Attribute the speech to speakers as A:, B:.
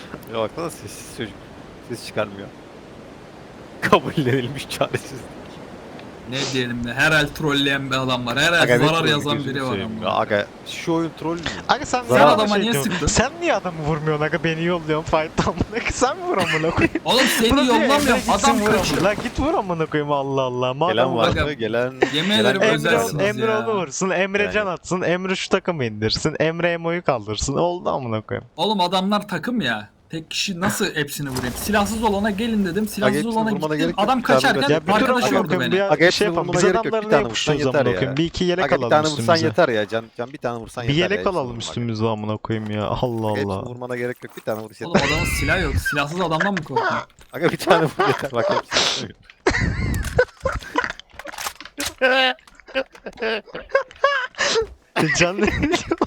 A: Ya baksana sessiz çocuk. Ses çıkarmıyor. Kabullenilmiş çaresiz.
B: Ne diyelim de her el trolleyen bir adam var. Her
A: Aga
B: el
A: ne
B: zarar
A: trolü
B: yazan
A: gözünü
B: biri var
A: seveyim ya.
B: ama.
A: Aga şu oyun troll mü?
C: Aga sen
B: Sen
C: niye
B: adama
C: şey
B: niye
C: diyorsun?
B: sıktın?
C: Sen niye adamı vurmuyorsun aga, beni yolluyorsun fight'tan amına. Sen vur amına koyayım.
B: Oğlum seni
C: Buna diyor, Emre
B: yollamıyorum.
C: gitsin
B: Adam
C: vur
B: kaçıyor.
C: amına. La git vur amına koyayım, Allah Allah.
A: Gelen
C: Madem
A: var
B: Aga,
A: mı? Gelen...
B: yemin
A: gelen
B: ederim
A: yok.
B: özelsiniz
C: Emre
B: ya.
C: onu vursun, Emre
A: Yani.
C: can atsın, Emre şu takımı indirsin, Emre Emo'yu kaldırsın. Oldu amına koyayım.
B: Oğlum adamlar takım ya. Tek kişi nasıl hepsini vurayım? Silahsız olana gelin dedim. Silahsız
A: hepsini
B: olana
A: vurmana
B: gittim.
A: gerek yok.
B: Adam
A: Bir tane
B: kaçarken
A: vuracak.
C: Ya bir dur
B: arkadaş
C: amına
B: gördü
C: koyayım,
B: beni.
C: bir
A: Aga hepsini
C: şey yapalım.
A: vurmana
C: Biz
A: gerek yok. Bir
C: adamları
A: tane
C: niye
A: vursan
C: kuşluyoruz
A: yeter
C: amına
A: ya.
C: koyayım? Bir iki yelek
A: Aga bir
C: alalım
A: tane vursan
C: üstümüze.
A: yeter ya. Can bir tane vursan
C: Bir
A: yeter ya.
C: yelek
A: Hepsini
C: alalım
A: vurma aga.
C: üstümüze amına koyayım ya. Allah
A: Hepsini
C: Allah.
A: vurmana gerek yok. Bir tane vuruş
B: Oğlum
A: yeter.
B: adamın silah yok. Silahsız adamdan mı korkuyorsun?
A: Aga bir tane vur yeter. Bak hepsini.
C: Can ne diyor?